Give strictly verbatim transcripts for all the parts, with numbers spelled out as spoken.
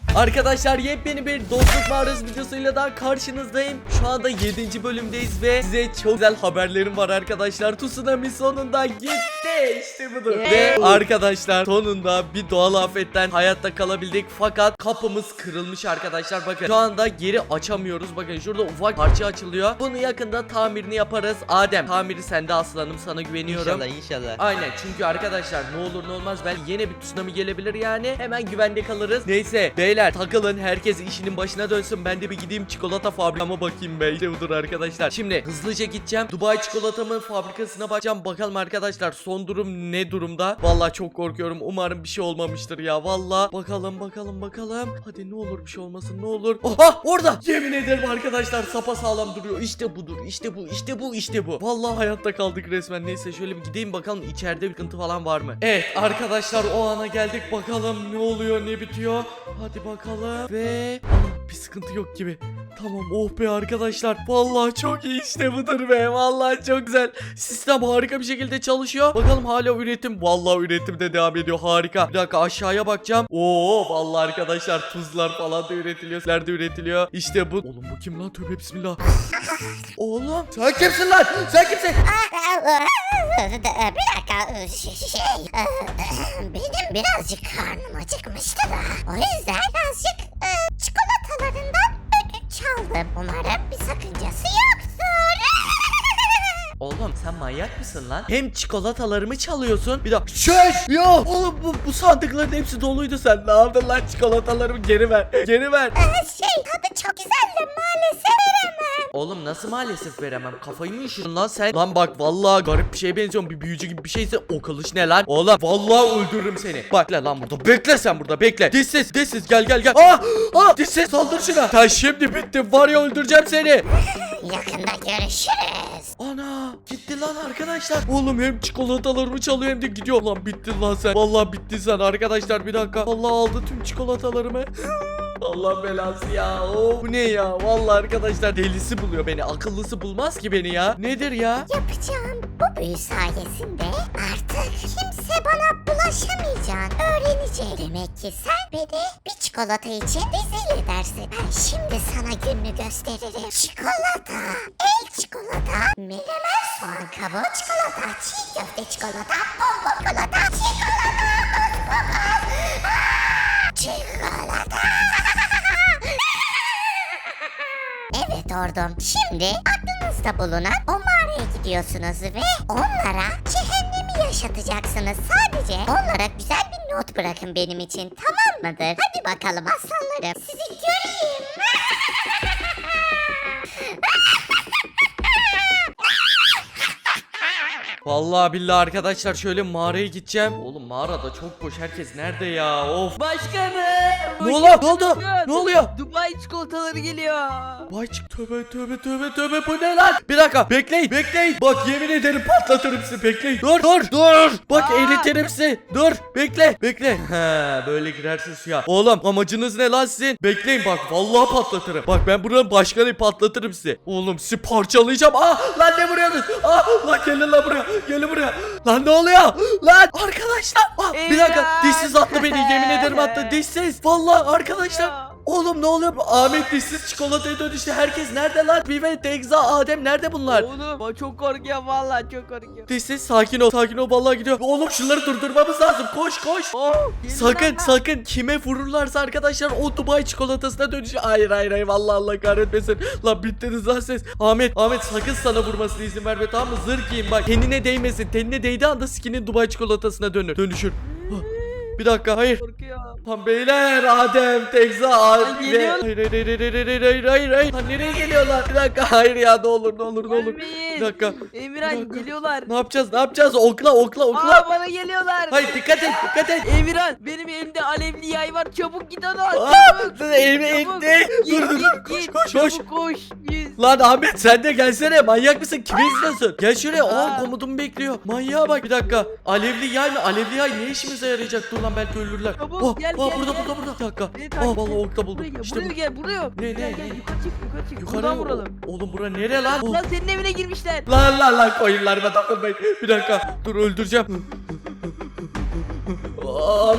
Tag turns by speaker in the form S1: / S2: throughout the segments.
S1: Arkadaşlar yepyeni bir dostluk mağarası videosuyla daha karşınızdayım. Şu anda yedinci bölümdeyiz ve size çok güzel haberlerim var arkadaşlar. Tsunami sonunda gitti. İşte budur.
S2: Yeah.
S1: Ve arkadaşlar sonunda bir doğal afetten hayatta kalabildik. Fakat kapımız kırılmış arkadaşlar. Bakın şu anda geri açamıyoruz. Bakın şurada ufak parça açılıyor. Bunu yakında tamirini yaparız. Adem, tamiri sende aslanım, sana güveniyorum.
S2: İnşallah inşallah.
S1: Aynen, çünkü arkadaşlar ne olur ne olmaz belki yine bir tsunami gelebilir yani. Hemen güvende kalırız. Neyse beyler takılın, herkes işinin başına dönsün. Ben de bir gideyim çikolata fabrikama bakayım be. İşte budur arkadaşlar. Şimdi hızlıca gideceğim. Dubai çikolatamın fabrikasına bakacağım. Bakalım arkadaşlar son durum ne durumda. Vallahi çok korkuyorum. Umarım bir şey olmamıştır ya. Vallahi bakalım bakalım bakalım. Hadi ne olur bir şey olmasın, ne olur. Oha, orada. Yemin ederim arkadaşlar sapasağlam duruyor. İşte budur. İşte bu. İşte bu. İşte bu. Vallahi hayatta kaldık resmen. Neyse şöyle bir gideyim bakalım içeride bir sıkıntı falan var mı? Evet arkadaşlar, o ana geldik. Bakalım ne oluyor, ne bitiyor. Hadi bakalım. Ve Aa, bir sıkıntı yok gibi. Tamam, oh be arkadaşlar. Vallahi çok iyi, işte budur be. Vallahi çok güzel. Sistem harika bir şekilde çalışıyor. Bakalım hala üretim. Vallahi üretim de devam ediyor. Harika. Bir dakika aşağıya bakacağım. Oo vallahi arkadaşlar tuzlar falan da üretiliyor. Sizler de üretiliyor. İşte bu. Oğlum bu kim lan? Tövbe bismillah. Oğlum sen kimsin lan? Sen kimsin?
S3: Bir dakika şey benim birazcık karnım acıkmıştı da o yüzden birazcık e, çikolatalarından ödünç çaldım. Umarım bir sakıncası yoktur.
S1: Oğlum sen manyak mısın lan? Hem çikolatalarımı çalıyorsun. Bir dakika. Şöş! Ya oğlum bu, bu sandıkların hepsi doluydu, sen ne yaptın lan? Çikolatalarımı geri ver. Geri ver.
S3: Ee, şey tadı çok güzel de maalesef veremem.
S1: Oğlum nasıl maalesef veremem? Kafayı mı üşüdün lan sen? Lan bak vallahi garip bir şeye benziyorsun. Bir büyücü gibi bir şeyse o kılıç ne lan? Oğlum vallahi öldürürüm seni. Bak lan lan burada. Bekle sen burada, bekle. Dişsiz dişsiz gel gel gel. Aa! Aa! Dişsiz saldır şuna. Sen şimdi bittin var ya, öldüreceğim seni.
S3: Yakında görüşürüz.
S1: Ana gitti lan arkadaşlar. Oğlum hem çikolatalarımı çalıyor hem de gidiyor. Lan bittin lan sen. Vallahi bittin sen arkadaşlar, bir dakika. Vallahi aldı tüm çikolatalarımı. Allah belası ya. Oo, bu ne ya? Vallahi arkadaşlar delisi buluyor beni. Akıllısı bulmaz ki beni ya. Nedir ya?
S3: Yapacağım bu büyü sayesinde artık kimse bana bulaşamayacağını öğrenecek. Demek ki sen beni bir çikolata için rezil edersin. Ben şimdi sana gününü gösteririm. Çikolata, el çikolata, menemen soğan kabuğu çikolata, çiğ köfte çikolata, bonbon çikolata, çikolata, çikolata. Evet ordum. Şimdi aklınızda bulunan o mağaraya gidiyorsunuz ve onlara cehennemi yaşatacaksınız. Sadece onlara güzel bir not bırakın benim için, tamam mıdır? Hadi bakalım aslanlarım, sizi göreyim.
S1: Vallahi billahi arkadaşlar şöyle mağaraya gideceğim. Oğlum mağarada çok boş. Herkes nerede ya? Of.
S2: Başkanım.
S1: Ne oluyor? Ne oldu? Ne oluyor?
S2: Dubai çikolataları geliyor.
S1: Vay çık, tövbe tövbe tövbe tövbe, bu ne lan? Bir dakika bekleyin bekleyin. Bak yemin ederim patlatırım sizi, bekleyin. Dur dur dur. Bak
S2: Aa!
S1: eritirim sizi. Dur bekle bekle. He böyle girersin suya. Oğlum amacınız ne lan sizin? Bekleyin bak vallahi patlatırım. Bak ben buranın başkanı, patlatırım sizi. Oğlum sizi parçalayacağım. Ah lan ne vuruyorsunuz? Ah lan gelin lan buraya. Gelin buraya. Lan ne oluyor? Lan arkadaşlar. Ah, bir dakika
S2: İmran!
S1: dişsiz attı beni, yemin ederim attı dişsiz. Vallahi arkadaşlar.
S2: Ya.
S1: Oğlum ne oluyor? Ahmet dişsiz çikolataya dönüştü. Herkes nerede lan? Bive, Tekza, Adem nerede bunlar?
S2: Oğlum o çok korkuyor vallahi, çok korkuyor.
S1: Dişsiz sakin ol, sakin ol, vallahi gidiyor. Oğlum şunları durdurmamız lazım. Koş koş.
S2: Oh, gelin
S1: Sakın
S2: lan.
S1: sakın kime vururlarsa arkadaşlar o Dubai çikolatasına dönüşüyor. Hayır hayır hayır, vallahi Allah kahretmesin. Lan bittiniz lan siz. Ahmet Ahmet sakın sana vurmasına izin verme, tamam mı? Zırh giyin bak. Tenine değmesin. Tenine değdiği anda skinin Dubai çikolatasına dönür. Dönüşür. Hah, bir dakika hayır.
S2: Korkuyor.
S1: Lan beyler, Adem, Tekza, Adem.
S2: geliyor.
S1: Hayır hayır hayır hayır hayır hayır hayır hayır. Lan nereye geliyorlar? Bir dakika hayır ya, ne olur ne olur ne olur.
S2: Ölmeyin.
S1: Bir dakika.
S2: Emirhan
S1: Bir dakika.
S2: geliyorlar.
S1: Ne yapacağız? Ne yapacağız? Okla okla okla.
S2: Aa bana geliyorlar.
S1: Hayır dikkat et dikkat et.
S2: Emirhan benim elimde alevli yay var, çabuk git onu al.
S1: Aa,
S2: Çabuk.
S1: elimi
S2: Çabuk.
S1: etti.
S2: Git,
S1: Dur dur
S2: git,
S1: dur. Koş
S2: git.
S1: koş koş.
S2: Çabuk koş. Yüz.
S1: Lan Ahmet sen de gelsene, manyak mısın? Kimi izliyorsun? Gel şuraya. Aa
S2: Aa.
S1: komutumu bekliyor. Manyağa bak, bir dakika. Alevli yay mı? Alevli yay ne işimize yarayacak? Dur lan belki ölürler.
S2: Çabuk,
S1: Oh,
S2: gel,
S1: oh,
S2: gel,
S1: burada
S2: gel.
S1: burada burada. Bir dakika.
S2: Beni
S1: Aa
S2: takip
S1: vallahi
S2: et.
S1: okta buldum.
S2: Buraya gel,
S1: İşte
S2: buraya
S1: bu.
S2: gel, buraya.
S1: Ne, ne,
S2: Gel, gel,
S1: ne?
S2: yukarı çık, yukarı çık.
S1: Yukarı
S2: Buradan vuralım.
S1: Oğlum bura nere lan? Oh.
S2: Lan senin evine girmişler.
S1: Lan lan lan koyunlarıma dokunmayın. Bir dakika dur öldüreceğim. Ahmet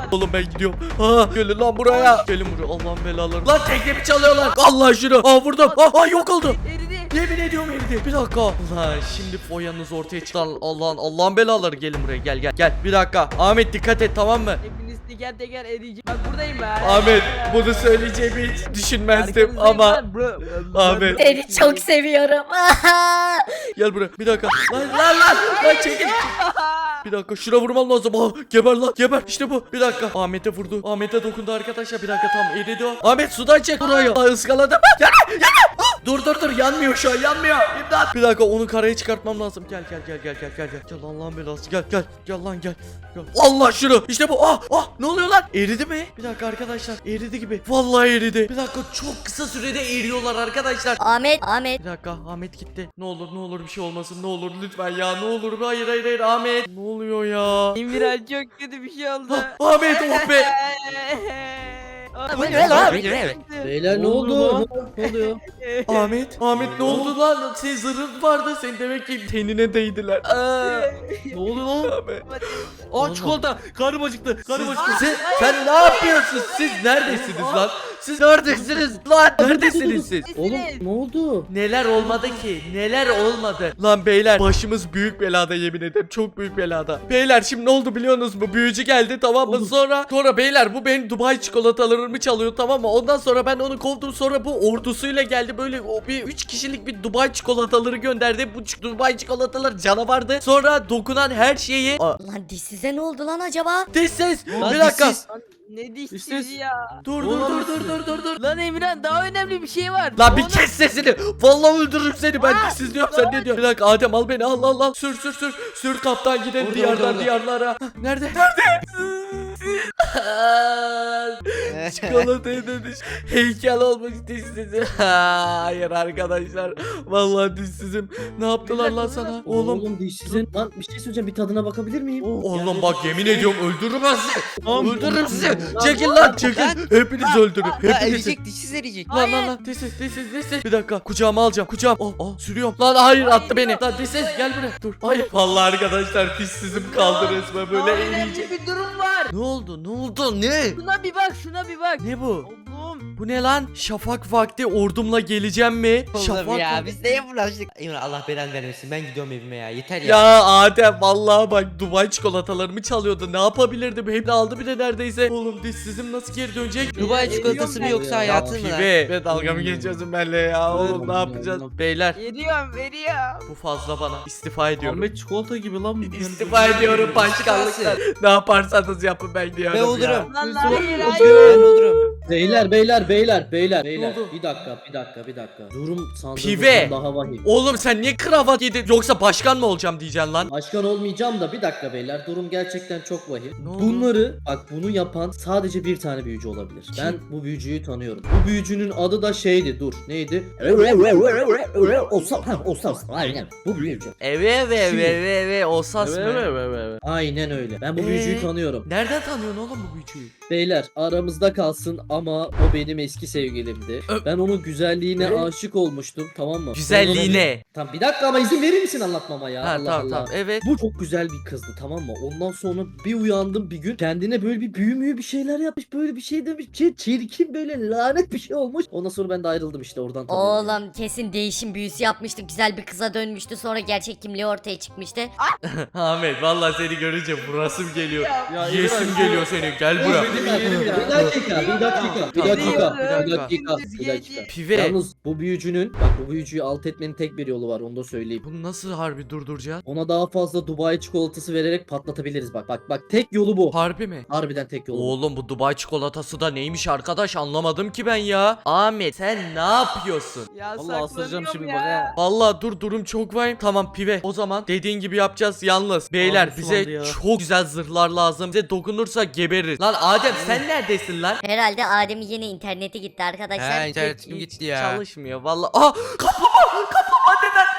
S1: Oğlum ben gidiyorum. Aa, gelin lan buraya. Gelin buraya Allah'ın belaları. Lan teknemi çalıyorlar. Allah şunu. Aa vurdum. Aa, aa yok oldu.
S2: Eridi.
S1: Yemin ediyorum eridi. Bir dakika. Lan şimdi foyanız ortaya çıktı. Allah'ın Allah'ın belaları gelin buraya gel gel gel. Bir dakika. Ahmet dikkat et tamam mı?
S2: Hepiniz teker teker eriyecek. Bak buradayım ben.
S1: Ahmet bunu söyleyeceğimi hiç düşünmezdim
S2: Arkanızdayım
S1: ama
S2: lan, bro.
S1: Ahmet.
S3: Seni çok seviyorum.
S1: Gel buraya bir dakika. Lan lan lan. Lan çekil. Bir dakika şuna vurmam lazım. Aa, geber lan geber. İşte bu. Bir dakika. Ahmet'e vurdu. Ahmet'e dokundu arkadaşlar. Bir dakika tam eridi o. Ahmet sudan çek burayı. Aa, ıskaladı. Yanma yanma. Ah, dur dur dur yanmıyor şu an yanmıyor. İmdat. Bir dakika onu karaya çıkartmam lazım. Gel gel gel gel gel gel. Gel Gel Allah'ın belası. Gel gel. Gel lan gel. Gel. Allah şunu. İşte bu. Ah ah ne oluyor lan? Eridi mi? Bir dakika arkadaşlar. Eridi gibi. Vallahi eridi. Bir dakika çok kısa sürede eriyorlar arkadaşlar.
S3: Ahmet, Ahmet.
S1: Bir dakika Ahmet gitti. Ne olur ne olur bir şey olmasın ne olur lütfen ya ne olur. Hayır hayır hayır Ahmet. Ne oluyor ya?
S2: Emirhan çok kötü bir şey oldu.
S1: Ah, Ahmet oh be.
S2: Aa,
S1: Bu
S2: ben-
S1: ne lan?
S4: Beyler ne oldu? Ne oluyor?
S1: Ahmet Ahmet ne oldu lan? Senin zırhın vardı. Senin demek ki tenine değdiler. Aa,
S4: Ne oldu lan?
S1: Ahmet.
S4: Aa çikolata. Karnım acıktı. Karnım acıktı.
S1: Siz, sen ne yapıyorsunuz? Siz neredesiniz lan? Siz neredesiniz lan? Neredesiniz siz?
S4: Oğlum ne oldu?
S1: Neler olmadı ki? Neler olmadı? Lan beyler başımız büyük belada yemin ederim. Çok büyük belada. Beyler şimdi ne oldu biliyorsunuz mu? Büyücü geldi tamam mı?
S4: Oğlum.
S1: Sonra sonra beyler bu benim Dubai çikolatalarımı çalıyor tamam mı? Ondan sonra ben onu kovdum. Sonra bu ordusuyla geldi. Böyle o bir üç kişilik bir Dubai çikolataları gönderdi. Bu ç- Dubai çikolatalar canavardı. Sonra dokunan her şeyi Aa,
S3: Lan dişsize ne oldu lan acaba?
S1: Diş ses.
S4: Lan
S1: Bir dakika.
S4: dişsiz.
S2: Ne dişsiz
S4: İşte-
S2: ya.
S1: Dur dur
S4: Oğlum,
S1: dur dur dur dur dur.
S2: Lan Emirhan daha önemli bir şey var.
S1: Lan bir
S2: Oğlum,
S1: kes sesini. Vallahi öldürürüm seni. Ben
S2: Aa,
S1: dişsiz diyorum sen ne diyorsun? Bir dakika Adem al beni al al al. Sür sür sür. Sür kaptan gidelim
S4: Orada,
S1: diyardan
S4: orada, orada.
S1: diyarlara. Hah, nerede? Nerede? Çikolatayı demiş. Heykel olmuş dişsizim. Hayır arkadaşlar. Vallahi dişsizim. Ne yaptılar lan sana? Oğlum.
S4: Oğlum dişsizin. Lan bir şey söyleyeceğim. Bir tadına bakabilir miyim?
S1: Oğlum bak yemin ediyorum öldürürüm ben sizi.
S4: Tamam.
S1: Öldürürüm sizi.
S4: Lan,
S1: Çekil lan çekil. Hepiniz öldürün. Hepiniz.
S5: Eriyecek dişsiz eriyecek.
S1: Lan lan lan dişsiz dişsiz dişsiz. Bir dakika kucağıma alacağım kucağım. Oh oh sürüyorum. Lan hayır attı beni. Lan dişsiz gel buraya. Dur. Hayır. Vallahi arkadaşlar dişsizim kaldı resmen
S2: daha
S1: böyle
S2: önemli
S1: eriyecek.
S2: bir durum var.
S1: Ne oldu? Ne oldu? Ne?
S2: Şuna bir bak şuna bir bak.
S1: Ne bu?
S2: Oğlum.
S1: Bu ne lan? Şafak vakti ordumla geleceğim mi? Şafak
S5: Oğlum ya
S1: vakti-
S5: biz neye bulaştık? Emre Allah belanı vermesin. Ben gidiyorum evime ya. Yeter ya.
S1: Ya Adem vallahi bak Dubai çikolatalarımı çalıyordu. Ne yapabilirdim? Hepsini aldı bile neredeyse. Oğlum dişsizim nasıl geri dönecek?
S5: Dubai çikolatası mı yoksa hayatın mı lan?
S1: Pibe ve dalga mı geçiyorsun benimle ya? Oğlum ne yapacağız? Beyler
S2: Veriyorum veriyorum.
S1: bu fazla bana. İstifa ediyorum.
S4: Ahmet çikolata gibi lan.
S1: İstifa ediyorum başkanlıktan. Ne yaparsanız yapın ben diyorum
S5: Ben
S1: ya.
S5: olurum.
S2: Lan
S4: Lütfen.
S2: hayır
S5: Ben
S2: hayır.
S5: olurum.
S4: Beyler beyler beyler beyler beyler.
S1: oldu?
S4: Bir dakika bir dakika bir dakika. Durum
S1: Pive.
S4: sandığımızdan daha vahim.
S1: Oğlum sen niye kravat yedin? Yoksa başkan mı olacağım diyeceksin lan?
S4: Başkan olmayacağım da bir dakika beyler. Durum gerçekten çok vahim.
S1: Ne oldu?
S4: Bunları bak bunu yapan sadece bir tane büyücü olabilir. Ben bu büyücüyü tanıyorum. Bu büyücünün adı da şeydi. Dur neydi? Olsam olsam aynen. Bu büyücü.
S1: Eve eve eve eve eve Osas mı?
S4: Aynen öyle. Ben bu
S1: Ee?
S4: büyücüyü tanıyorum.
S1: Nereden tanıyorsun oğlum bu büyücüyü?
S4: Beyler aramızda kalsın ama o benim eski sevgilimdi.
S1: Ö-
S4: Ben onun güzelliğine
S1: Ö-
S4: aşık olmuştum tamam mı?
S1: Güzelliğine.
S4: Tamam bir dakika ama izin verir misin anlatmama ya?
S1: Ha
S4: Allah
S1: tamam
S4: Allah.
S1: tamam evet.
S4: Bu çok güzel bir kızdı tamam mı? Ondan sonra bir uyandım bir gün kendine böyle bir büyü müyü bir şeyler yapmış böyle bir şey demiş. Şey, çirkin böyle lanet bir şey olmuş. Ondan sonra ben de ayrıldım işte oradan tanıyorum.
S3: Oğlum kesin değişim büyüsü yapmıştı. Güzel bir kıza dönmüştü. Sonra gerçek kimliği ortaya çıkmıştı.
S1: Ahmet vallahi seni görünce burasım geliyor.
S4: Ya,
S1: Yesim
S4: İbrahim,
S1: geliyor senin. Gel
S4: Bir
S1: buraya.
S4: dakika, bir dakika, bir dakika, bir dakika, bir
S1: Tamam,
S4: dakika, bir dakika.
S1: Pive.
S4: Yalnız bu büyücünün, bak bu büyücüyü alt etmenin tek bir yolu var onu da söyleyeyim.
S1: Bunu nasıl harbi durduracağız?
S4: Ona daha fazla Dubai çikolatası vererek patlatabiliriz bak bak bak tek yolu bu.
S1: Harbi mi?
S4: Harbiden tek yolu bu.
S1: Oğlum bu Dubai çikolatası da neymiş arkadaş anlamadım ki ben ya. Ahmet sen ne yapıyorsun?
S2: Ya
S4: Vallahi ısıracağım
S2: saklanıyorum
S4: şimdi
S2: ya.
S4: bak ha.
S1: Vallahi dur durum çok vahim. Tamam pive. O zaman dediğin gibi yapacağız yalnız. Beyler
S4: Ağzım
S1: bize
S4: sulandı ya.
S1: çok güzel zırhlar lazım. Bize dokunursa gebeririz. Lan Adem sen neredesin lan?
S3: Herhalde Adem'in yine interneti gitti arkadaşlar.
S5: Ha internetim gitti ya.
S1: Çalışmıyor vallahi. Aa kaplumbağa kaplumbağa neden?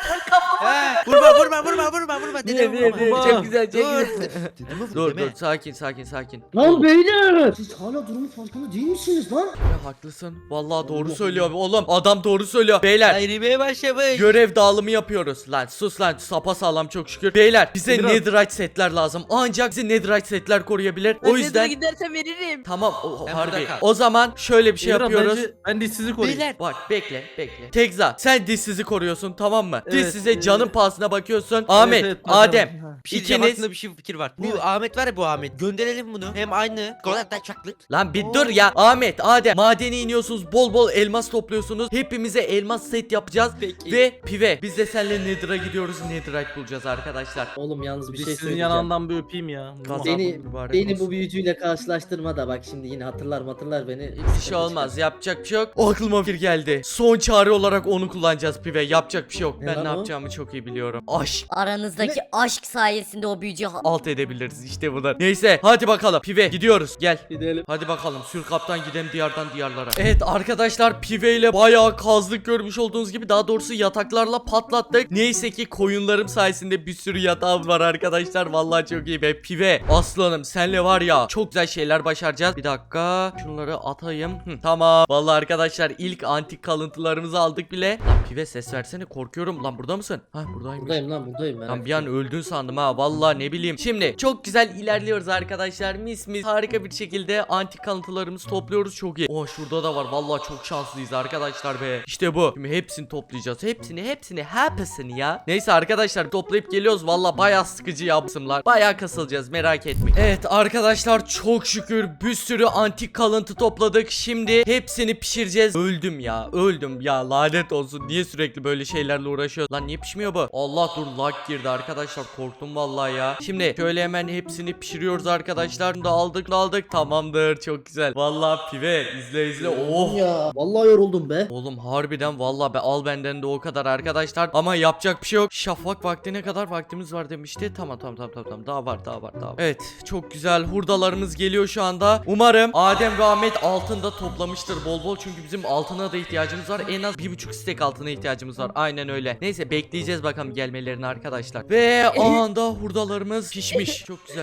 S5: Ha, vurma vurma vurma vurma vurma. Dedemi
S2: Ne, ne, ne,
S5: vurma.
S2: çok güzel, çok
S5: Dur.
S2: güzel.
S5: Dedemi vur,
S1: Dur
S5: deme.
S1: dur sakin sakin sakin.
S4: Lan beyler! Siz hala durumun farkında değil misiniz lan?
S1: Ya haklısın. Vallahi doğru söylüyor oğlum. Adam doğru söylüyor. Beyler
S5: Ayrılmaya başlamış.
S1: görev dağılımı yapıyoruz. Lan sus lan, sapa sağlam çok şükür. Beyler bize
S6: Emirhan.
S1: netherite setler lazım. Ancak bize netherite setler koruyabilir.
S2: Ben
S1: O
S2: Nether'a
S1: yüzden
S2: gidersen veririm.
S1: tamam o,
S5: Sen
S1: harbi.
S5: burada kal.
S1: O zaman şöyle bir şey
S6: Emirhan,
S1: yapıyoruz.
S6: bence ben dişsizi koruyayım.
S5: Beyler.
S1: Bak bekle bekle. Tekza sen dişsizi koruyorsun tamam mı?
S6: Evet,
S1: Dişsize
S6: evet.
S1: canın pahasına bakıyorsun. Ahmet,
S6: evet, hocam.
S1: Adem.
S5: Bir şey diyeceğim,
S1: İkiniz.
S5: aklımda bir şey fikir var. Bu Ahmet var ya, bu Ahmet. Gönderelim bunu. Hem aynı. Golden çaklık.
S1: Lan bir dur ya. Ahmet, Adem. Madene iniyorsunuz. Bol bol elmas topluyorsunuz. Hepimize elmas set yapacağız.
S5: Peki.
S1: Ve Pive biz de seninle Nether'a gidiyoruz. Netherite bulacağız arkadaşlar.
S4: Oğlum yalnız bir şey
S6: Dişsizin
S4: söyleyeceğim.
S6: yanağından bir öpeyim ya.
S1: Kazan.
S4: Beni,
S1: Mübarek
S4: beni
S1: olsun.
S4: bu büyücüyle karşılaştırma da bak şimdi yine hatırlar hatırlar beni.
S1: Bir şey olmaz. Yapacak bir şey yok. O aklıma fikir geldi. Son çare olarak onu kullanacağız Pive. Yapacak bir şey yok.
S4: Ne
S1: Ben
S4: lan
S1: ne
S4: o?
S1: yapacağımı çok iyi biliyorum. Aşk.
S3: Aranızdaki aşk sayesinde o büyücü ha-
S1: Alt edebiliriz işte bunlar. Neyse hadi bakalım Pive gidiyoruz gel.
S4: Gidelim.
S1: Hadi bakalım sür kaptan gidelim diyardan diyarlara. Evet arkadaşlar Pive ile bayağı kazdık görmüş olduğunuz gibi, daha doğrusu yataklarla patlattık. Neyse ki koyunlarım sayesinde bir sürü yatağım var arkadaşlar. Vallahi çok iyi be Pive. Aslanım senle var ya çok güzel şeyler başaracağız. Bir dakika şunları atayım. Hı, tamam. Vallahi arkadaşlar ilk antik kalıntılarımızı aldık bile. Lan Pive ses versene, korkuyorum. Lan burada mısın? Ha buradaymış.
S4: Buradayım lan buradayım.
S1: Lan bir an öldün sandım ha, vallahi ne bileyim. Şimdi çok güzel ilerliyoruz arkadaşlar, mis mis harika bir şekilde antik kalıntılarımızı topluyoruz, çok iyi. Oh şurada da var, vallahi çok şanslıyız arkadaşlar be. İşte bu. Şimdi hepsini toplayacağız, hepsini hepsini hepsini ya. Neyse arkadaşlar toplayıp geliyoruz, vallahi bayağı sıkıcı yapsımlar. Bayağı kasılacağız, merak etmeyin. Evet arkadaşlar çok şükür bir sürü antik kalıntı topladık. Şimdi hepsini pişireceğiz. Öldüm ya öldüm ya, lanet olsun. Niye sürekli böyle şeylerle uğraşıyor? Lan niye pişmiyor bu? Allah dur lag girdi arkadaşlar, korktum vallahi ya. Şimdi şöyle hemen hepsini pişiriyoruz arkadaşlar. Bunu da aldık aldık, tamamdır, çok güzel. Vallahi Pive izle izle. Oh.
S4: Ya vallahi yoruldum be.
S1: Oğlum harbiden vallahi be, al benden de o kadar arkadaşlar. Ama yapacak bir şey yok. Şafak vaktine kadar vaktimiz var demişti. Tamam tamam tamam tamam. Daha var daha var daha var. Evet çok güzel hurdalarımız geliyor şu anda. Umarım Adem ve Ahmet altında toplamıştır bol bol. Çünkü bizim altına da ihtiyacımız var. En az bir buçuk stek altına ihtiyacımız var. Aynen öyle. Neyse bekleyeceğiz bakalım gelmelerini arkadaşlar. Ve o anda hurdalarımız pişmiş. Çok güzel.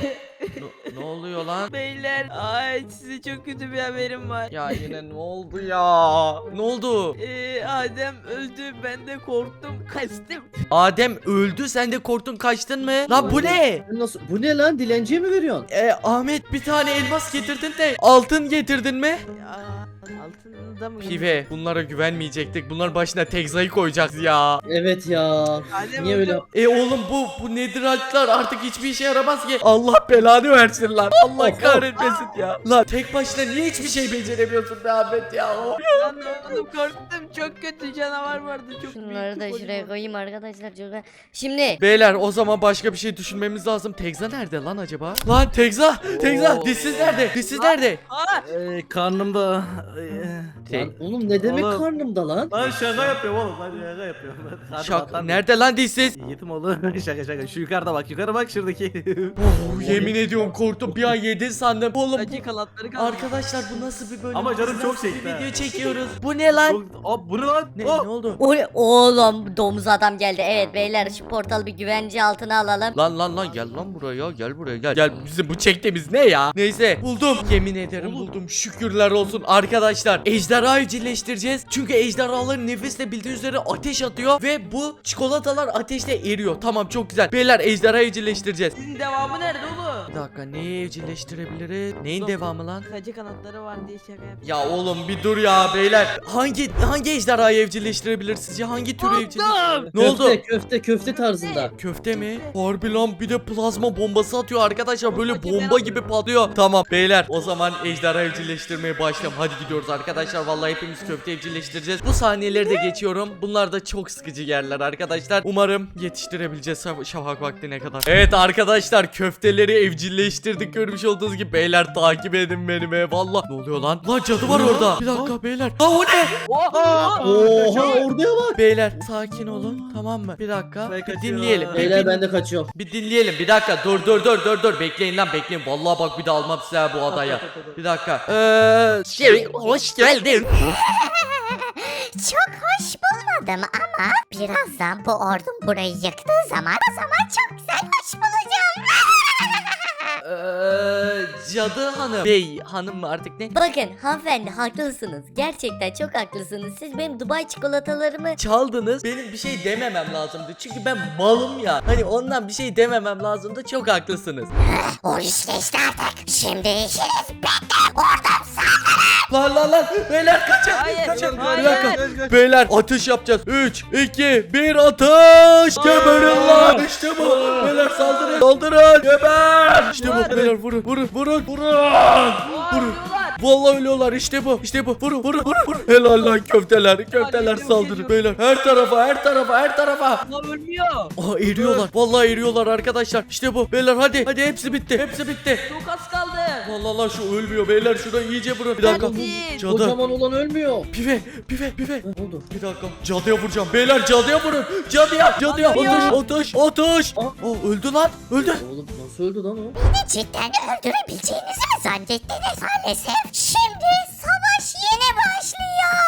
S1: Ne, ne oluyor lan?
S2: Beyler, ay size çok kötü bir haberim var.
S1: Ya yine ne oldu ya? Ne oldu?
S2: Ee, Adem öldü, ben de korktum, kaçtım.
S1: Adem öldü, sen de korktun kaçtın mı? Lan bu ne?
S4: Nasıl? Bu ne lan? Dilenciye mi veriyorsun?
S1: Ee, Ahmet bir tane elmas getirdin de altın getirdin mi?
S2: Ya, altında mı?
S1: Pive bunlara güvenmeyecektik. Bunların başına Tekza'yı koyacağız ya.
S4: Evet ya.
S2: Adem
S4: Niye
S2: öldü.
S4: öyle?
S1: E oğlum bu bu netherite'lar artık hiçbir işe yaramaz ki. Allah belanı versin lan. Allah kahretmesin ya. Lan tek başına niye hiçbir şey beceremiyorsun be Ahmet ya? Oh.
S2: Lan oğlum korktum, çok kötü canavar vardı, çok
S3: Şunları da
S2: büyük,
S3: şuraya
S2: kocaman.
S3: koyayım arkadaşlar çok. Şimdi
S1: Beyler o zaman başka bir şey düşünmemiz lazım. Tekza nerede lan acaba? Lan Tekza! Tekza!
S6: Oo.
S1: Dişsiz nerede? Dişsiz nerede?
S2: Aa,
S6: Ee, karnımda. Ee,
S4: Lan oğlum ne demek
S6: Oğlum.
S4: karnımda lan?
S6: Lan şaka yapıyorum oğlum. Lan şaka yapıyorum. Karnım
S1: Şak
S6: atlar.
S1: nerede lan dişsiz?
S6: Yetim oğlum. Şaka şaka. Şu yukarıda bak. Yukarı bak şuradaki.
S1: Oh, yemin ediyorum korktum, bir an yedin sandım. Oğlum
S2: acı kanatları kaldı.
S1: arkadaşlar bu nasıl bir bölüm?
S6: Ama canım
S1: Biz
S6: çok
S1: nasıl bir
S6: çekti ha.
S1: video çekiyoruz. Bu ne lan?
S6: Çok- Aa, bu ne lan?
S1: Ne,
S6: Oh!
S1: ne oldu?
S3: o oğlum domuz adam geldi. Evet beyler şu portalı bir güvence altına alalım.
S1: Lan lan lan gel lan buraya, gel buraya gel. Gel bizim bu çektiğimiz ne ya? Neyse buldum. Yemin ederim buldum. Şükürler olsun arkadaşlar. Ejderha evcilleştireceğiz. Çünkü ejderhaların nefesle bildiğiniz üzere ateş atıyor ve bu çikolatalar ateşte eriyor. Tamam çok güzel. Beyler ejderha evcilleştireceğiz.
S2: Sizin devamı nerede oğlum?
S1: Bir dakika neyi evcilleştirebiliriz? Neyin devamı lan?
S2: Acı kanatları var diye şaka yaptım.
S1: Ya oğlum bir dur ya beyler. Hangi hangi ejderhayı evcilleştirebilir sizce? Hangi türü evcilleştirebilir? Ne oldu?
S4: Köfte köfte köfte tarzında.
S1: Köfte mi? Harbi lan, bir de plazma bombası atıyor arkadaşlar, böyle bomba gibi patlıyor. Tamam beyler o zaman ejderha evcilleştirmeye başlayalım. Hadi gidiyoruz arkadaşlar, vallahi hepimiz köfte evcilleştireceğiz. Bu sahneleri de geçiyorum. Bunlar da çok sıkıcı yerler arkadaşlar. Umarım yetiştirebileceğiz şaf- şafak vaktine kadar. Evet arkadaşlar köfteleri evcilleştirdik görmüş olduğunuz gibi. Beyler takip edin beni be. Vallahi ne oluyor lan? Lan cadı var orada. Bir dakika beyler. Aa o ne?
S2: Oha!
S4: Oha oraya bak.
S1: Beyler sakin olun tamam mı? Bir dakika.
S6: Ben
S1: Bir
S6: kaçıyorum.
S1: dinleyelim. Bir
S4: Beyler
S1: din-
S4: ben de kaçıyorum.
S1: Bir dinleyelim bir dakika, dur dur dur dur dur bekleyin lan bekleyin, vallahi bak bir de almam size ha bu adaya. Bir dakika. Eee şey hoş geldin.
S3: Çok hoş bulmadım. aldım ama birazdan bu ordum burayı yıktığı zaman o zaman çok güzel hoş bulacağım.
S1: Eee cadı hanım. Bey hanım mı artık ne?
S7: Bakın hanımefendi haklısınız. Gerçekten çok haklısınız. Siz benim Dubai çikolatalarımı
S1: Çaldınız. Benim bir şey dememem lazımdı. Çünkü ben malım ya. Hani ondan bir şey dememem lazımdı. Çok haklısınız.
S3: O iş geçti artık. Şimdi işiniz bitti. Ordum sağ.
S1: Lan lan lan. Beyler kaçın.
S2: Hayır,
S1: Kaçın.
S2: hayır.
S1: Bir dakika. Beyler ateş yapacağız. üç, iki, bir ateş. Geberin lan. İşte bu. Beyler saldırın. Saldırın. Geber. İşte bu. Beyler vurun. Vurun. Vurun. Vurun. Vurun. Vallahi ölüyorlar işte bu işte bu vurun vurun vurun vurun. Helal lan köfteler köfteler
S2: Geliyor,
S1: saldırın
S2: geliyor.
S1: beyler her tarafa her tarafa her tarafa.
S2: Lan ölmüyor.
S1: Aa eriyorlar vallahi eriyorlar arkadaşlar işte bu beyler hadi hadi hepsi bitti hepsi bitti.
S2: Çok az kaldı.
S1: Vallahi lan şu ölmüyor beyler şurada iyice vurun bir dakika.
S2: Hadi.
S1: Cadı
S4: Kocaman olan ölmüyor.
S1: pive pive pive.
S4: Ne oldu?
S1: Bir dakika cadıya vuracağım beyler cadıya vurun cadıya cadıya atış atış atış. Aa öldü lan öldü.
S4: Oğlum nasıl öldü lan o?
S3: Beni cidden öldürebileceğinizi mi zannettiniz? Maalesef şimdi savaş yeni başlıyor.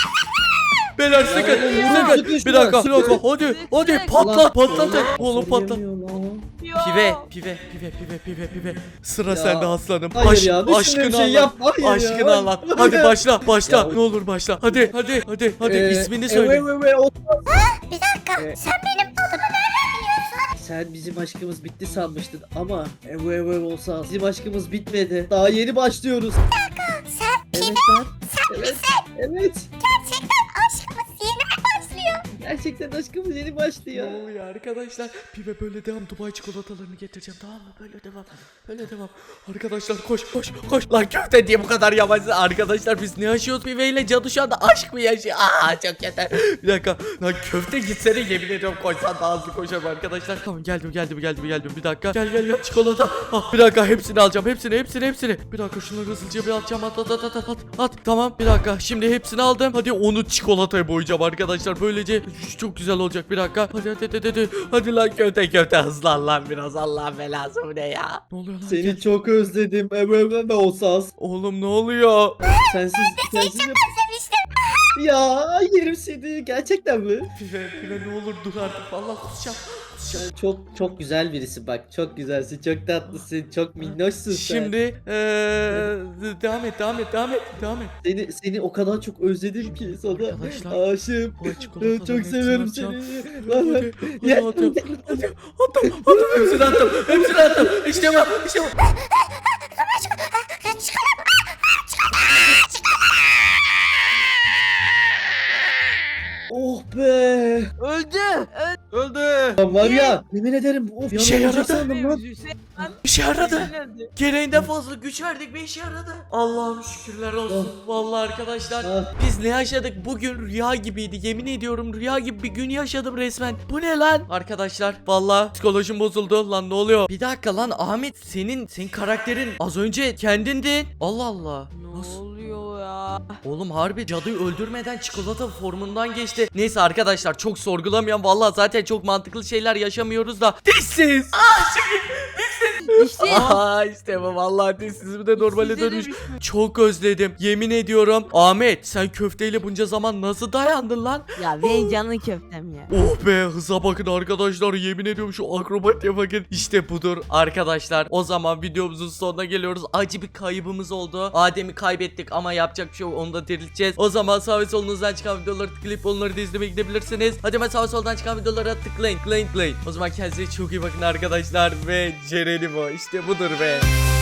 S1: Beyler sıkın
S4: Ya,
S1: sıkın.
S4: sıkışma,
S1: Bir dakika bir
S4: sıkın.
S1: dakika hadi hadi
S2: Sıkın.
S1: patlat patlatın. Oğlum patlat.
S4: Söyleyemiyor lan.
S1: Pive, pive, pive, pive, pive, pive. Sıra
S4: Ya,
S1: sende aslanım.
S4: hayır
S1: Aşk-
S4: ya, düşündüğüm
S1: aşkını
S4: şey
S1: anlat.
S4: yapma, hayır ya.
S1: Aşkını anlat. Hadi başla, başla.
S4: Ya.
S1: Ne olur başla. Hadi, hadi, hadi, hadi.
S4: Ee,
S1: ismini söyle.
S4: evet, evet, o-
S3: Bir dakika
S4: Ee,
S3: sen benim adımı nereden biliyorsun?
S4: Sen bizim aşkımız bitti sanmıştın ama ev ev ev olsa bizim aşkımız bitmedi. Daha yeni başlıyoruz.
S3: Sen
S4: Evet ben. Evet. Evet.
S3: gerçekten aşkımız yeni mi başlıyor?
S4: Gerçekten aşkımız yeni
S1: Ne
S4: başlıyor.
S1: oluyor arkadaşlar? Pive böyle devam. Dubai çikolatalarını getireceğim tamam mı? Böyle devam. Böyle devam. Arkadaşlar koş koş koş. Lan köfte diye bu kadar yavaşsın. Arkadaşlar biz ne yaşıyoruz? Pive ile cadı şu anda aşk mı yaşıyor? Aa çok yeter. Bir dakika. Lan köfte gitsene yemin ediyorum koşsan daha hızlı koşarım arkadaşlar. Tamam geldim geldim geldim geldim. Bir dakika. Gel gel gel çikolata. Ah, bir dakika hepsini alacağım. Hepsini hepsini hepsini. Bir dakika şunları hızlıca bir atacağım. At at at at at. At. Tamam bir dakika. Şimdi hepsini aldım. Hadi onu çikolataya boyayacağım arkadaşlar. Böylece çok güzel olacak. Bir dakika. Hadi hadi hadi hadi. Hadi lan köfte köfte hızlan lan biraz. Allah belası bu ne ya? Ne oluyor lan?
S4: Seni çok özledim. Ev ev ev olsa.
S1: Oğlum ne oluyor?
S4: Sensiz sensiz yap-
S3: Özlemiştim.
S4: Ya yerim seni. Gerçekten mi?
S1: Pive pive ne olur dur artık. Vallahi kusacağım. Kusacağım.
S4: Sen çok çok güzel birisi bak. Çok güzelsin. Çok tatlısın. Çok minnoşsun sen.
S1: Şimdi eee devam et devam et devam et devam et.
S4: Seni seni o kadar çok özledim ki sana.
S1: Arkadaşlar,
S4: Aşığım.
S1: bu çikolataların
S4: Çok
S1: hepsini
S4: seviyorum
S1: atacağım.
S4: seni.
S1: Hadi hadi hadi
S4: Ya-
S1: atıyorum. Hadi attım attım hepsini attım hepsini attım. İşte bu işte bu.
S4: Oh be.
S2: Öldü.
S6: Öldü.
S4: Lan var ya yemin ederim of
S1: Bir şey
S4: yanılacak
S1: yaradı.
S4: sandım lan.
S1: Bir şey yaradı.
S2: Öldü.
S1: Gereğinden fazla güç verdik bir işe yaradı. Allah'ım şükürler olsun. Vallahi arkadaşlar
S4: Ah.
S1: biz ne yaşadık bugün rüya gibiydi. Yemin ediyorum rüya gibi bir gün yaşadım resmen. Bu ne lan? Arkadaşlar vallahi psikolojim bozuldu. Lan ne oluyor? Bir dakika lan Ahmet senin senin karakterin az önce kendindin. Allah Allah.
S2: Ne
S1: Nasıl?
S2: oluyor ya?
S1: Oğlum harbi cadıyı öldürmeden çikolata formundan geçti. Neyse arkadaşlar çok sorgulamayan vallahi zaten çok mantıklı şeyler yaşamıyoruz da. Dişsiz. Aa şimdi
S2: İşte.
S1: Aa işte bu vallahi dişsiz bir de normale
S2: Size de
S1: dönmüş.
S2: düşmüş.
S1: Çok özledim. Yemin ediyorum. Ahmet sen köfteyle bunca zaman nasıl dayandın lan?
S2: Ya benim canın köftem ya.
S1: Oh be hıza bakın arkadaşlar. Yemin ediyorum şu akrobatiye bakın. İşte budur arkadaşlar. O zaman videomuzun sonuna geliyoruz. Acı bir kaybımız oldu. Adem'i kaybettik ama yapacak bir şey yok. Onu da dirilteceğiz. O zaman sağ ve solunuzdan çıkan videoları tıklayıp onları da izlemeye gidebilirsiniz. Hadi hemen sağ ve soldan çıkan videolara tıklayın. Tıklayın tıklayın. O zaman kendinize çok iyi bakın arkadaşlar. Ve Ceren'im o. İşte budur be.